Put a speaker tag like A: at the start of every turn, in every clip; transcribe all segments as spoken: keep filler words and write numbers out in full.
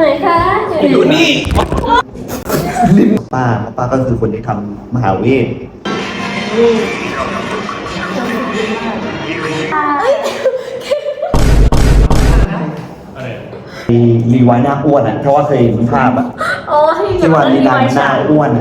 A: ไหนคะ
B: อยู่นี่
C: ลิมป้าป้าก็คือคนที่ทำมหาเวทรีรีไวน์หน้าอ้วนอ่ะเพราะว่าเคยเห็นภาพอ่ะที่ว่าลีลาหน้าอ้วน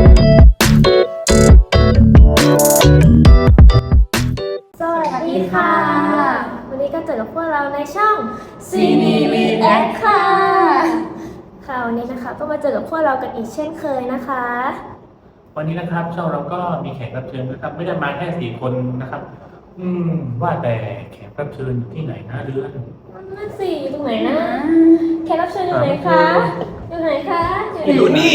A: สวัสดีค่ะวันนี้ก็เจอกับพวกเราในช่อง ซี ดี React ค่ะค่ะวันนี้นะคะก็มาเจอกับพวกเรากันอีกเช่นเคยนะคะ
B: วันนี้นะครับช่องเราก็มีแขกรับเชิญนะครับไม่ได้มาแค่สี่คนนะครับอืมว่าแต่แขกรับเชิญอยู่ที่ไหนนะเดือน
A: นั่นสิอยู่ตรงไหนนะแขกรับเชิญอยู่ไหนคะอยู่ไหนคะ
B: อยู่นี่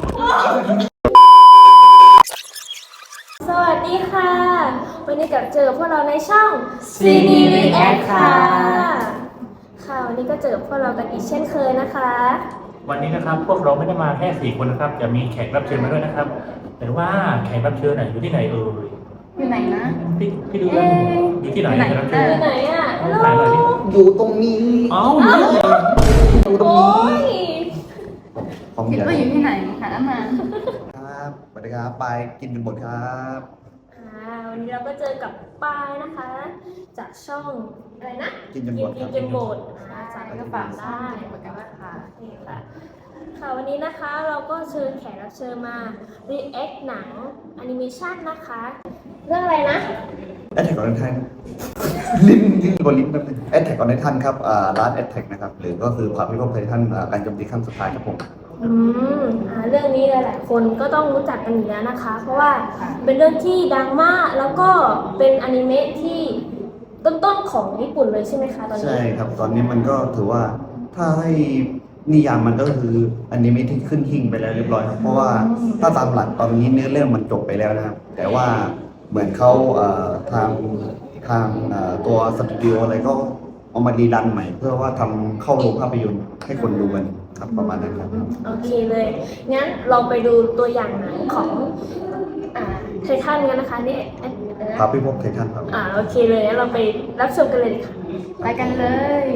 A: สวัสดีค่ะวันนี้กับเจอพวกเราในช่อง ซี ดี React ค่ะค่ะวันนี้ก็เจอกับพวกเรากันอีกเช่นเคยนะคะ
B: วันนี้นะครับพวกเราไม่ได้มาแค่สี่คนนะครับจะมีแขกรับเชิญมาด้วยนะครับแต่ว่าแขกรับเชิญไหนอยู่ที่ไหนเอ่ย
D: อยู่ไหนนะ
B: พี่พี่ดูกันอยู่ที่ไหนแขกรับเชิญ
A: อยู่ไหนอ่ะฮัลโหล
C: อยู่ตรงนี้
B: เอ้า
C: อยู่ตรงนี้
D: คิดว่าอยู่ที่ไหนหามา
C: ครับสวัสดีครับปายกินกันหมดครับ
A: วันนี้เราก็เจอกับปายนะคะจากช่องอะไรนะ
C: กินกันหมด
A: กินกันหมดจาก
D: ก็ฝากได้เหมือนกันว่าค่ะ
A: นี่ค่ะค่ะวันนี้นะคะเราก็เชิญแขกรับเชิญมา react หนังแอนิเมชันนะคะเรื่องอะไรนะ
C: แอทแทกออนไททันลิ้นลิ้นบนลิ้นแป๊บนึงแอทแทกออนไททันครับอ่าลาสแอทแทกนะครับหรือก็คือความพิภพไททันการโจมตีครั้งสุดท้ายครับผม
A: อืมเรื่องนี้หลายๆคนก็ต้องรู้จักกันอยู่แล้วนะคะเพราะว่าเป็นเรื่องที่ดังมากแล้วก็เป็นอนิเมะที่ต้นๆของญี่ปุ่นเลยใช่ไหมคะตอนนี้
C: ใช่ครับตอนนี้มันก็ถือว่าถ้าให้นิยามมันก็คืออนิเมะที่ขึ้นหิ่งไปแล้วเรียบร้อยครับเพราะว่าถ้าตามหลักตอนนี้เนื้อเรื่องมันจบไปแล้วนะครับแต่ว่าเหมือนเขาทางทางตัวสตูดิโออะไรก็เอามารีดันใหม่เพื่อว่าทำเข้าโรงภาพยนตร์ให้คนดูกันครับประมาณนั้นครับ
A: โอเคเลยงั้นลองไปดูตัวอย่างหนังของไททันกันนะคะนี่
C: พาพิภพไททันครับ
A: อ่าโอเคเลยงั้นเราไปรับชมกันเลยค่ะ
D: ไปกันเลย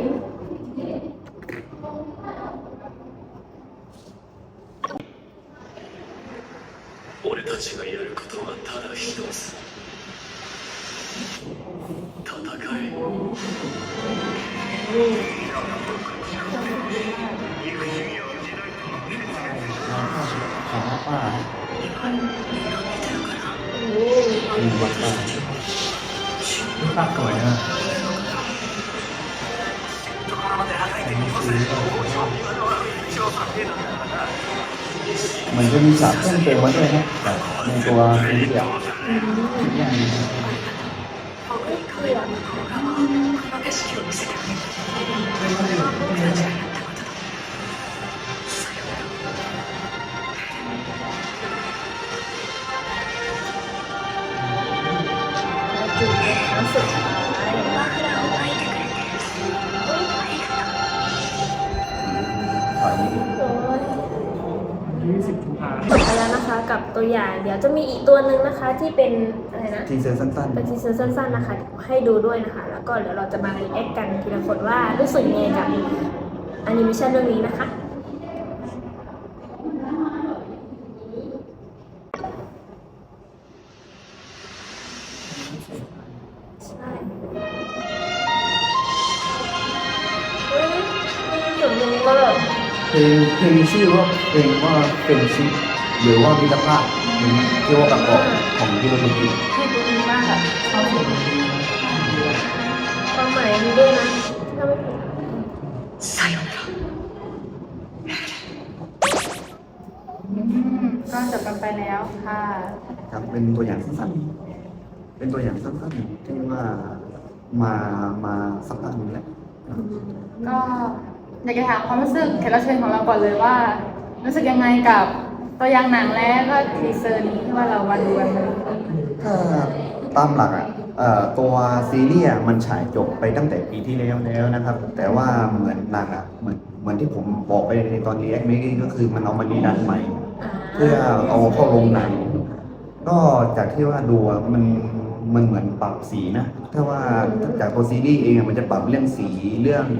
E: 俺たちがやることはただ一つ戦え
C: ป้าอืมวัดป้า
B: ภาพสวยนะ
C: มันจะมีฉากเพิ่มเติมมาด้วยนะแต่ในตัวเป็นเดี่ยวอย่างนี้
B: ยี่สิบกุมภาพันธ์
A: แล้วนะคะกับตัวอย่างเดี๋ยวจะมีอีกตัวหนึ่งนะคะที่เป็นอะไรนะ
C: ทีเซอร์สั้นๆ
A: เป็นทีเซอร์สั้นๆนะคะให้ดูด้วยนะคะแล้วก็เดี๋ยวเราจะมารีแอคกันทีละคนว่ารู้สึกยังไงกับแอนิเมชันเรื่องนี้นะคะ
C: เพลงเพลงชื่อว่าเพลงว่าเป็นชิปหรือว่ามิตรภาพที่ว่าประกอบของที่เราดู
D: ชื่อดีมากแบบเขาเห็น
A: ความหมายมีด้วยนะถ้าไม่ผิด
E: さよなら
D: ก็จบกันไปแล้วค่ะ
C: ครับเป็นตัวอย่างสั้นๆเป็นตัวอย่างสั้นๆที่ว่ามามาสักพักนึงแล้ว
D: ก็อยากจะถามความรู้สึกแขกรับเชิญของเราก่อนเลยว่ารู้สึกยังไงกับตัวอย่างหนังและก็ทีเซอร์นี้ที่ว่าเราวันดูกัน
C: ถ้าตามหลักอ่ะตัวซีรีส์มันฉายจบไปตั้งแต่ปีที่แล้วแล้วนะครับแต่ว่าเหมือนหนังอ่ะเหมือนเหมือนที่ผมบอกไปในตอนนี้แอคเมก็คือมันเอามารีดันใหม่เพื่อเอาเข้าโรงหนังก็จากที่ว่าดูมันมันเหมือนปรับสีนะถ้าว่าจากตัวซีรีส์เองมันจะปรับเรื่องสีเรื่อง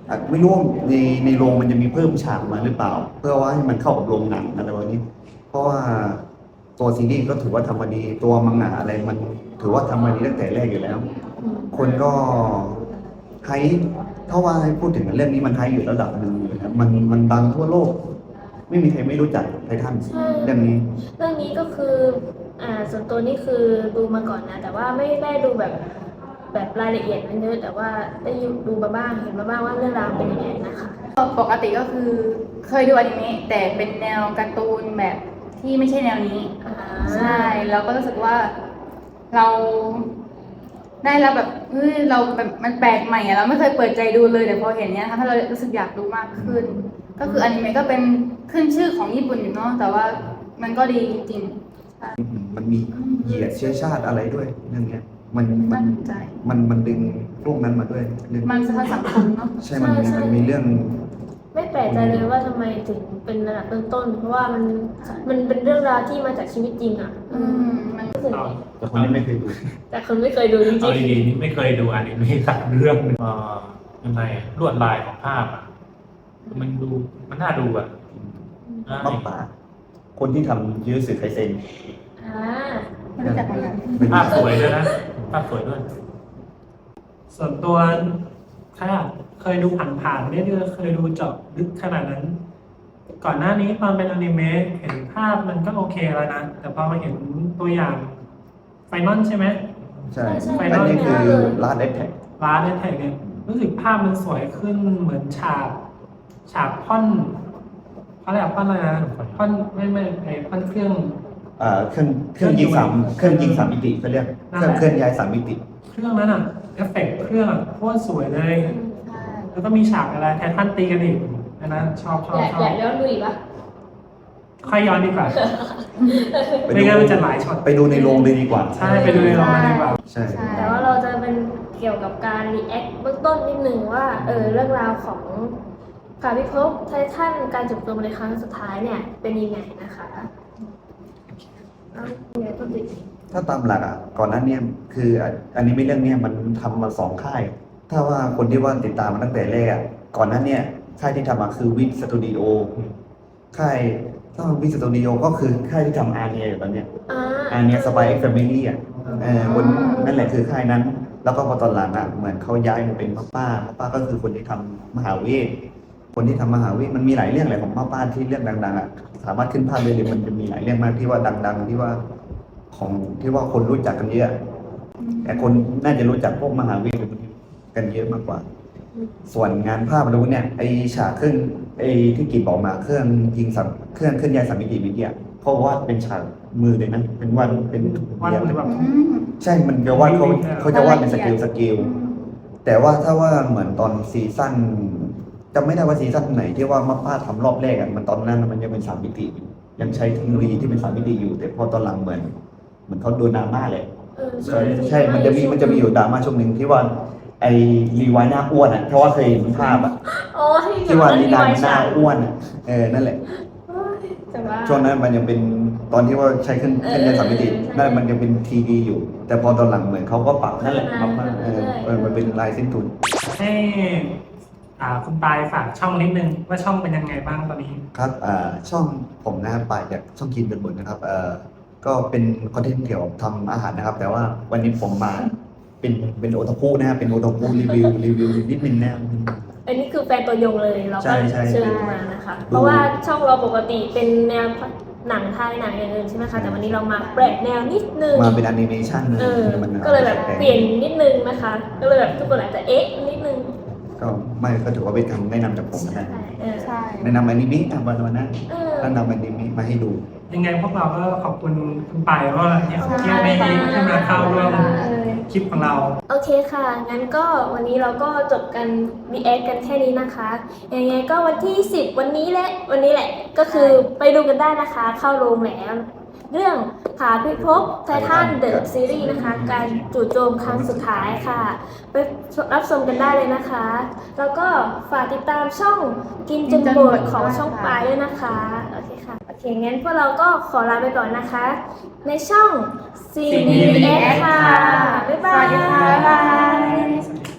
C: อ่ะไม่รู้ว่าในในโรงมันจะมีเพิ่มฉากมาหรือเปล่า เพื่อว่าให้มันเข้ากับโรงหนังอะไรแบบนี้ เพราะว่าตัวซีรีส์ก็ถือว่าทำมาดีตัวมังงะอะไรมันถือว่าทำมาดีตั้งแต่แรกอยู่แล้ว คนก็ไฮถ้าว่าให้พูดถึงเรื่องนี้มันไฮอยู่ระดับหนึ่งอยู่นะครับมันมันดังทั่วโลก ไม่มีใครไม่รู้จักไททัน
A: ใช่
C: เรื่องนี้
A: เรื่องนี้ก็คืออ่าส่วนตัวนี่คือดูมาก่อนนะ แต่ว่าไม่ได้ดูแบบแบบรายละเอียดมันเยอะแต่ว่าได้ดูมาบ้างเห็นมาบ้างว่าเรื่องราวเป็นยังไงนะคะ
D: ปกติก็คือเคยดูอนิเมะแต่เป็นแนวการ์ตูนแบบที่ไม่ใช่แนวนี้
A: อ่า
D: ใช่แล้วก็รู้สึกว่าเราได้รับแบบเฮ้ยเราแบบมันแปลกใหม่อะเราไม่เคยเปิดใจดูเลยแต่พอเห็นเนี้ยค่ะถ้าเรารู้สึกอยากดูมากขึ้น ก็คืออนิเมะก็เป็นขึ้นชื่อของญี่ปุ่นอยู่เนาะแต่ว่ามันก็ดีจริงๆใช่
C: มันมีเหยียดเชื้อชาติอะไรด้วยเรื่องเนี้ยมันมั
D: น่าน สนใจ
C: มันมันดึงพวกนั้นมาด้วยเรื่อง
D: มันสะท้อนสังคมเนาะ
C: ใช่ มันมีมันมีเรื่อง
A: ไม่แปลกใจเลยว่าทำไมถึงเป็นระดับต้นๆเพราะว่ามันมันเป็นเรื่องราวที่มาจากชีวิตจริงอ่ะ
D: อืมมัน
A: รู้สึก
B: เอา
C: แต่คนที่ไม่เคยดู
A: แต่คนไม่เคยดูจริ
B: เอา
A: ง
B: ดีๆนี่ไม่เคยดูอนิเมะสักเรื่องหนึงเอ่อยังไงอะลวดลายของภาพอ่ะมันดูมันน่าดูอ่ะใช่
C: มากป่า คนที่ทำยูสึไคเซ็น
A: ๆอ่า
D: ไม่รู้จักเหมือนกัน
C: เป็น
B: ภาพสวยด้วยนะภาพสวยด้วย
F: ส่วนตัวค่ะเคยดูผ่านๆไม่ได้เคยดูเจาะลึกขนาดนั้น ก่อนหน้านี้ตอนเป็นอนิเมะเห็นภาพมันก็โอเคแล้วนะ แต่พอมาเห็นตัวอย่างไฟนอลใช่ไหม
C: ใช่
A: ใช่
C: อันนี้คือ
A: เลย
C: ลาดแอทแทก
F: ร้านแท็กเนี่ยรู้สึกภาพมันสวยขึ้นเหมือนฉากฉากพ่อนเขาเรียกพ่อนอะไรนะพ่อนไม่ไม่ไอพ่อนเครื่อง
C: อ่าเครื่องเครื่องยิงสามเครื่องยิงสามมิติเขาเรียกเครื่องเคลื่อนย้ายสามมิติ
F: เครื่องนั้นอ่ะเอฟเฟกต์เครื่องอะโคตรสวยเลย
D: ใช่
F: แล้วก็มีฉากอะไรไททันตีกันอีกอันนั้นชอบชอบ
A: อยาก
F: ชอ
A: อยา
F: บ
A: กย้อนดูอีกปะ
F: ค่อยย้อนดีกว่า
C: ไป
F: ไม่
C: ดู
F: งั้นมันจะหลายช็อต
C: ไปดูในโรงเลยดีกว่า
F: ใช่ไปดูในโรงมาดีกว่า
C: ใช่
D: ใช่
A: แต่ว่าเราจะเป็นเกี่ยวกับการรีแอคเบื้องต้นนิดนึงว่าเออเรื่องราวของพาพิภพไททันการจบตัวในครั้งสุดท้ายเนี่ยเป็นยังไงนะคะเอายังไงก็ติด
C: ถ้าตามหลักอ่ะก่อนหน้าเนี้คืออ่ะอันนี้ไม่เรื่องเนี้ยมันทำมาสองค่าย ถ้าว่าคนที่ว่าติดตามมาตั้งแต่แรกอ่ะก่อนหน้าเนี้ยค่ายที่ทำมาคือวิทสตูดิโอค่ายถ้าวิทสตูดิโอก็คือค่ายที่ทำอาร์เนียอยู่ตอนเนี้ย
A: อ่า
C: อาร์เนียสปายเอ็กซ์แฟมิลี่อ่ะเออคนนั่นแหละคือค่ายนั้น แล้วก็พอตอนหลังอ่ะเหมือนเขาย้ายมาเป็นป้าป้าป้าป้าก็คือคนที่ทำมหาเวทคนที่ทำมหาเวทมันมีหลายเรื่องแหละของป้าป้าที่เรื่องดังๆอ่ะสามารถขึ้นภาพเลยเลยมันจะมีหลายเรื่องมากที่ว่าดัง ๆ ที่ว่าของที่ว่าคนรู้จักกันเยอะ แต่คนน่าจะรู้จักพวกมหาเวทกันเยอะมากกว่า ส่วนงานภาพเราเนี่ยไอฉากเครื่องไอที่กิจบอกมาเครื่องยิงสามเครื่องเคลื่อนย้ายสามมิติวิทยาเขาวาดเป็นฉากมือเลยนะเป็นวันเป็น
F: วันหรือแบบ
D: อืม
C: ใช่มันจะวาดเขาเขาจะวาดเป็นสเกลสเกล
D: อืม
C: แต่ว่าถ้าว่าเหมือนตอนซีซั่นจำไม่ได้ว่าซีซั่นไหนที่ว่ามาป้าทำรอบแรกอ่ะมันตอนนั้นมันยังเป็นสามมิติอยู่ยังใช้เทคโนโลยีที่เป็นสามมิติอยู่ แต่พอตอนหลังเหมือนเหมือนเขาโดนดราม่าเลย
A: เออ
C: ใช่ใช่ มันจะมีมันจะมีอยู่ดราม่าช่วงหนึ่งที่ว่าไอ้รีไวน์หน้าอ้วนอ่ะเพราะว่าเคยเห็นภาพอ่ะ
A: อ๋อ
C: ที่ว่าลีดาน
A: รี
C: หน้าอ้วนอ่ะเออนั่นแหละ
A: แต่ว่า
C: ช่วงนั้นมันยังเป็นตอนที่ว่าใช้เครื่องเครื่องยนต์สามมิติ
A: เออใช่
C: นั่นมันยังเป็นทีดีอยู่ แต่พอตอนหลังเหมือนเขาก็ปรับนั่นแหละมามาเออเออมันเป็นลายเส้นทุน
F: ให้อ่าคุณปายฝากช่องนิดนึงว่าช่องเป็นยังไงบ้างตอนนี้
C: ครับอ่าช่องผมนะครับปายจากช่องกินเป็นบนนะครับเอ่อก็เป็นคอนเทนต์เกี่ยวกับทำอาหารนะครับ แต่ว่าวันนี้ผมมาเป็นเป็นโอตาคุนะครับเป็นโอตาคุรีวิวรีวิวนิดนึงนะครับ
A: อันนี้คือแฟนตัวยงเลยเรา
C: ใช่
A: ก็
C: ใช่
A: เชิญมานะคะ
C: ดู
A: เพราะว่าช่องเราปกติเป็นแนวหนังไทยหนังอย่างอื่นใช่ไหมคะแต่วันนี้เรามาแปลกแนวนิดนึง
C: มาเป็นแอนิเมชันเลย
A: เออ
C: มัน
A: ก็เลยแบบเปลี่ยนนิดนึงนะคะ ก็เลยแบบทุกคนอาจจะเอ๊ะนิดนึง
C: ก็ไม่ก็ถือว่าเป็นคำแนะนำจากผมนะ
A: เออ
D: ใช่
C: แนะนำอนิเมะอ่ะวันวันนั้น
A: เออ
C: แนะนำอนิเมะมาให้ดู
F: ยังไงพวกเราก็ขอบคุณคุณปายว่าเนี่ยที่ไม่ให้ให้มาเข้าร่วมคลิปของเรา
A: โอเคค่ะ งั้นก็วันนี้เราก็จบกัน รีแอค กันแค่นี้นะคะ ยังไงก็วันที่สิบวันนี้แหละ วันนี้แหละ ก็คือไปดูกันได้นะคะ เข้าโรงแล้ว เรื่องผาพิภพไททันเดอะซีรีส์นะคะ การจู่โจมครั้งสุดท้ายค่ะ ไปรับชมกันได้เลยนะคะ แล้วก็ฝากติดตามช่องกินจนโบดของช่องปลายด้วยนะคะ โอเคค่ะ โอเค งั้นพวกเราก็ขอลาไปก่อนนะคะ ในช่อง ซี นี วี เอส ค่ะ บ๊ายบา
D: สวัสดีค่ะ
A: ย